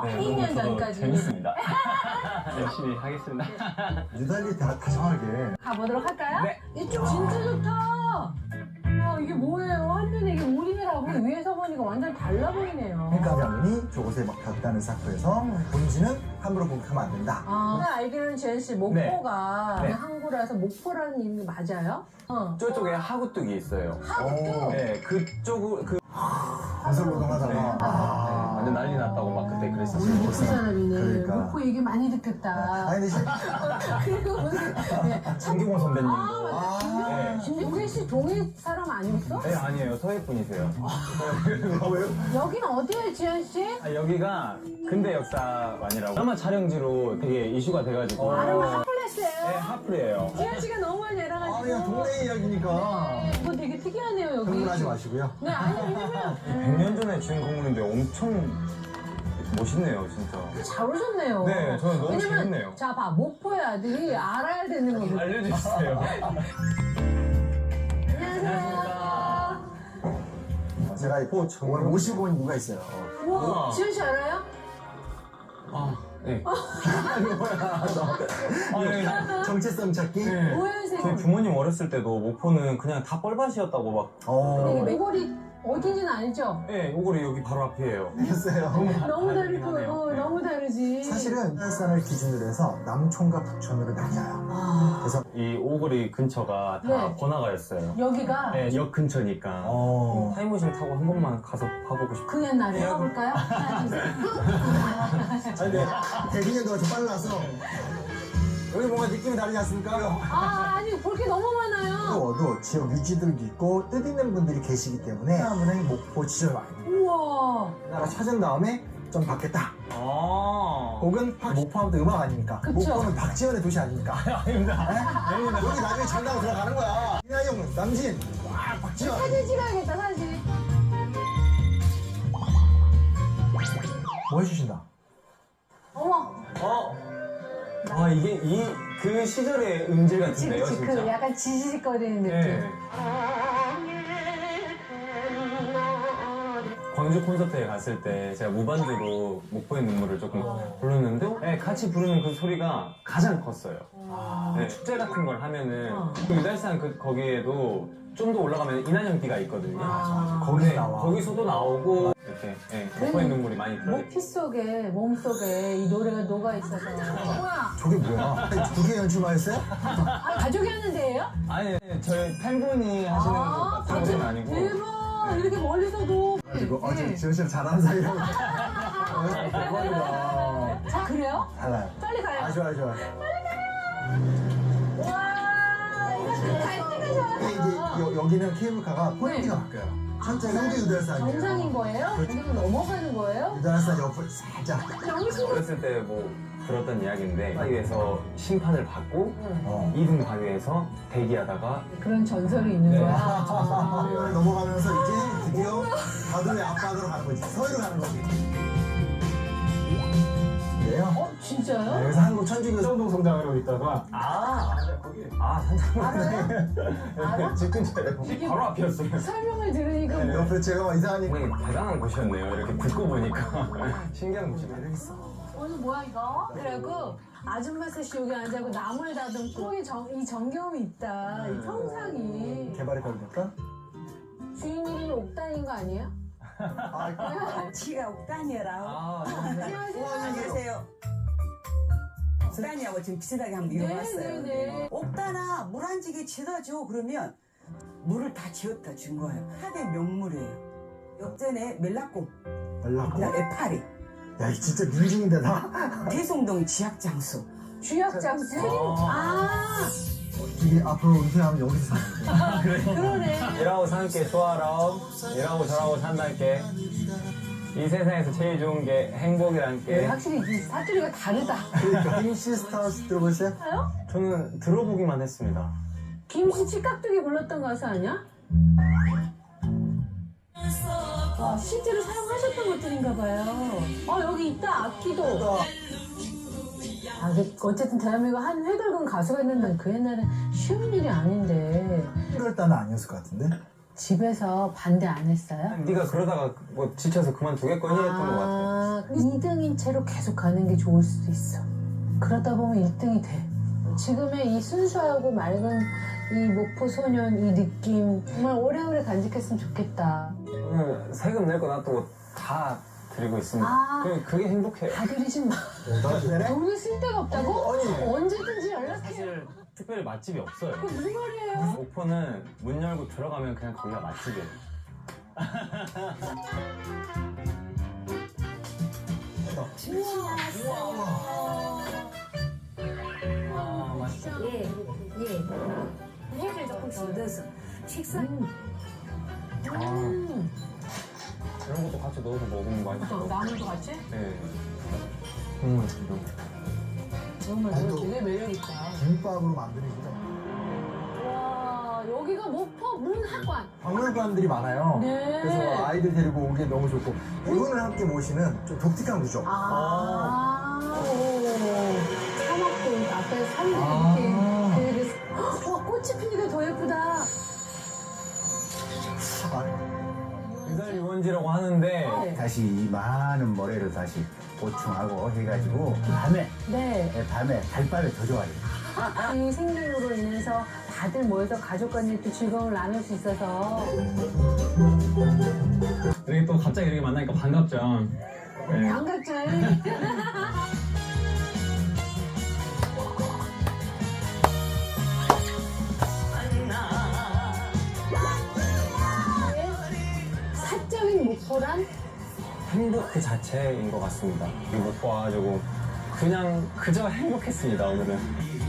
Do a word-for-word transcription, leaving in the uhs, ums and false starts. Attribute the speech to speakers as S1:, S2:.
S1: 네,
S2: 이 년
S1: 저도
S2: 전까지.
S1: 재밌습니다. 열심히 하겠습니다.
S3: 유달리 다 다정하게.
S2: 가보도록 할까요?
S1: 네.
S2: 이쪽 진짜 좋다. 와 이게 뭐예요? 한눈에 이게 오리배라고 위에서 보니까 완전 달라 보이네요.
S3: 그러니까 장군이 저곳에 막 닿다는 사건에서 본지는 함부로 공격하면 안 된다.
S2: 아, 제가 알기로는 지현 씨 목포가
S1: 네. 네.
S2: 항구라서 목포라는 이름이 맞아요? 어.
S1: 저쪽에 하구뚝이 있어요.
S2: 하구뚝?
S1: 네, 그쪽으로 그
S3: 건설노동하다가.
S1: 네.
S3: 아.
S1: 완전 난리 났다고 막 그때
S2: 우리
S1: 그랬었어요.
S2: 목포 사람이네.
S3: 그러니까.
S2: 목포 얘기 많이 듣겠다.
S3: 아니, 근데 진-
S2: 그리고 무슨 네.
S1: 장기공 선배님도.
S2: 아, 맞다. 김경,
S1: 네.
S2: 김경태 씨 동해 사람 아니었어?
S1: 네, 아니에요. 서해 분이세요.
S3: 아, 왜요?
S2: 여기는 어디예요, 지현 씨?
S1: 아, 여기가 근대 역사관이라고 드라마 촬영지로 되게 이슈가 돼가지고.
S2: 아름아
S1: 네,
S2: 핫플레스예요.
S1: 하프예요.
S2: 지현 씨가 너무 많이
S3: 아,
S2: 알아가지고.
S3: 그냥 동네 이야기니까.
S2: 이거 되게 특이하네요, 여기.
S3: 흥분하지 마시고요.
S2: 네, 아니, 왜냐면.
S1: 백 년 전에 지은 건물인데 엄청 멋있네요, 진짜.
S2: 잘 오셨네요.
S1: 네, 저는 너무
S2: 왜냐면,
S1: 재밌네요.
S2: 자, 봐. 목포의 아들이 알아야 되는 거거든요.
S1: 알려주세요.
S2: 안녕하세요.
S3: 제가 오늘 모시고 온 이유가 있어요.
S2: 우와,
S1: 우와.
S2: 지현 씨 알아요?
S1: 아, 네. 아, 네.
S3: 정체성 찾기?
S1: 네.
S2: 오연생.
S1: 저희 부모님 어렸을 때도 목포는 그냥 다 뻘밭이었다고 막.
S3: 어,
S2: 메골이 어딘지는 알죠?
S1: 네, 요거리 여기 바로 앞이에요.
S3: 알겠어요.
S2: 너무
S1: 다르긴
S2: 다르고,
S1: 하네요.
S2: 어,
S1: 네.
S2: 너무 다르지.
S3: 사실은 해산을 기준으로 해서 남촌과 북촌으로 나뉘어요.
S2: 아,
S3: 그래서
S1: 이 오거리 근처가 다
S2: 네.
S1: 번화가였어요.
S2: 여기가
S1: 네, 역 근처니까.
S3: 어,
S1: 타임머신 타고 한 번만 가서 봐보고 싶어요.
S2: 그 옛날에 해볼까요? 하나, 둘, 셋.
S3: 아니 근데 대기년도가 좀 빨라서 여기 뭔가 느낌이 다르지 않습니까?
S2: 아, 아니, 볼 게 너무 많아요.
S3: 어도 지역 유지들도 있고 뜻있는 분들이 계시기 때문에 사람은 목포 지절 와요.
S2: 우와.
S3: 나라 찾은 다음에 좀 받겠다.
S1: 아.
S3: 혹은 목포하면 또 음악 아닙니까?
S2: 그쵸.
S3: 목포는 박지원의 도시 아닙니까?
S1: 아닙니다.
S3: 네? 여기 나중에 전당으로 들어가는 거야. 이나영, 남진, 와 박지원.
S2: 사진 찍어야겠다, 사진.
S3: 뭐 해주신다?
S2: 어머.
S1: 어? 아, 이게 이, 그 시절의 음질
S2: 그치,
S1: 같은데요,
S2: 그치.
S1: 진짜?
S2: 그 약간 지지직거리는 느낌.
S1: 네. 광주 콘서트에 갔을 때 제가 무반주로 목포의 눈물을 조금 불렀는데 네, 같이 부르는 그 소리가 가장 컸어요. 네, 축제 같은 걸 하면은
S2: 어.
S1: 그 유달산 그 거기에도 좀 더 올라가면 이난영비가 있거든요.
S2: 아.
S3: 거기서
S1: 네,
S3: 나와.
S1: 거기서도 나오고 이렇게 네, 목포의 눈물이 많이 들어요.
S2: 목 피 속에, 몸 속에 이 노래가 녹아 있어서. 뭐야?
S3: 저게 뭐야? 두 개 연출만 했어요?
S2: 아, 가족이 하는 데예요?
S1: 아니 저희 팬분이 하시는 것 같은
S2: 가족.
S1: 건 아니고
S2: 대박. 이렇게 멀리서도.
S3: 그리고 어제
S2: 네.
S3: 지원 씨랑 잘하는 사이라고. 대박이다.
S2: 자, 그래요?
S3: 달라요.
S2: 빨리 가요.
S3: 아 좋아요 좋아요.
S2: 와, 이거 갈 때가
S3: 근데 이제
S2: 좋아요.
S3: 여, 여기는 케이블카가 포인트가 바뀌어요. 첫째가 현재 유달산이에요.
S2: 정상인 거예요?
S3: 그렇죠.
S2: 그리고 넘어가는 거예요?
S3: 유달산 옆을 살짝.
S2: 정신.
S1: 어렸을 때 뭐 들었던 이야기인데 바위에서 심판을 받고
S3: 어.
S1: 이 등 바위에서 대기하다가
S2: 그런 전설이 있는
S1: 네.
S2: 거야.
S3: 아, 넘어가면서 이제 드디어 바다의 앞바다로 가는 거지. 서해로 가는 거지. 그래요?
S2: 어, 진짜요?
S3: 네, 그래서 한국 천주교
S4: 성동 성당으로 있다가
S1: 아, 아 산장님
S2: 알아?
S1: 집 근처에 바로 앞이었어요.
S2: 설명을 들으니까 뭐.
S3: 옆에 제가 막 이상하니까.
S1: 굉장히 대단한 곳이었네요. 이렇게 듣고 보니까 신기한 곳이네요.
S3: 매력 있어.
S2: 오늘 뭐야 이거? 그리고 아줌마 셋이 여기 앉아고 나무를 다듬고 이, 정, 이 정겨움이 있다. 이 평상이.
S3: 개발에 걸렸다?
S2: 주인 이름이 옥단인 거 아니에요?
S3: 아,
S5: 지가 옥단이라고.
S1: 아,
S2: 안녕하세요.
S5: 안녕하세요. 옥단이하고 지금 비슷하게 한번 이뤄봤어요.
S2: 네네네.
S5: 옥단아 물 한 지게 지어줘 그러면 물을 다 지었다 준 거예요. 하대 명물이에요. 역전에 멜라꼼,
S3: 연락.
S5: 그다음에 파리,
S3: 야, 이 진짜 민중인데 나.
S5: 대송동 지학장수.
S2: 주약장수? 아,
S3: 이게 앞으로 은퇴하면 여기서 사는 거야.
S2: 그러네.
S1: 일하고 산게 좋아라. 일하고 저하고 산다게. 이 세상에서 제일 좋은 게 행복이란
S2: 네,
S1: 게.
S2: 확실히 이 사투리가 다르다.
S3: 그러니까 김시스타스 들어보세요?
S2: 알아요?
S1: 저는 들어보기만 했습니다.
S2: 김씨 치깍두기 불렀던 가수 아니야? 와, 실제로 사용하셨던 것들인가 봐요. 어, 여기 있다, 악기도. 아, 그 어쨌든 대한민국 한 회돌근 가수가 있는데 그 옛날엔 쉬운 일이 아닌데.
S3: 일월달은 아니었을 것 같은데?
S2: 집에서 반대 안 했어요?
S1: 네가 그러다가 뭐 지쳐서 그만두겠거니 했던 것 같아.
S2: 아, 이 등인 채로 계속 가는 게 좋을 수도 있어. 그러다 보면 일 등이 돼. 지금의 이 순수하고 맑은 이 목포 소년 이 느낌 정말 오래오래 간직했으면 좋겠다.
S1: 오늘 세금 낼 거 놔두고 다 드리고 있습니다.
S2: 아.
S1: 그- 그게 행복해요.
S2: 다 드리지 마.
S3: 나도 되네?
S2: 돈을 쓸 데가 없다고?
S3: 아니.
S2: 언제든지 연락해.
S1: 사실 특별히 맛집이 없어요.
S2: 그게 무슨 말이에요?
S1: 목포는 문 열고 들어가면 그냥 거기가 맛집이에요. 아, 맛있어.
S4: 예, 예. 회를 조금씩 넣어서 식사.
S2: 음.
S1: 아,
S2: 음.
S1: 이런 것도 같이 넣어서 먹으면 맛있어.
S2: 어, 나물도 같이?
S1: 네. 국물 이런 거.
S2: 정말
S3: 아니,
S2: 이거
S3: 또-
S2: 되게 매력있다.
S3: 김밥으로 만드는 거죠.
S2: 와, 여기가 목포 문학관.
S3: 박물관들이 많아요.
S2: 네.
S3: 그래서 아이들 데리고 오기에 너무 좋고 이분을 함께 모시는 좀 독특한 구조.
S2: 아, 오. 사막도 앞에 산이
S3: 아.
S2: 이렇게 되게. 와, 꽃이 피니까 더 예쁘다.
S3: 아,
S1: 의살 유원지라고 하는데
S2: 네.
S6: 다시 이 많은 모래를 다시 보충하고 해가지고 밤에
S2: 네.
S6: 예, 밤에 달밤에 더 좋아요.
S2: 이 생명으로 인해서 다들 모여서 가족 간에 또 즐거움을 나눌 수 있어서
S1: 이렇게 또 갑자기 이렇게 만나니까 반갑죠. 네.
S2: 반갑죠. 사적인 목표란
S1: 행복 그 자체인 것 같습니다. 이 목포 와가지고 그냥 그저 행복했습니다 오늘은.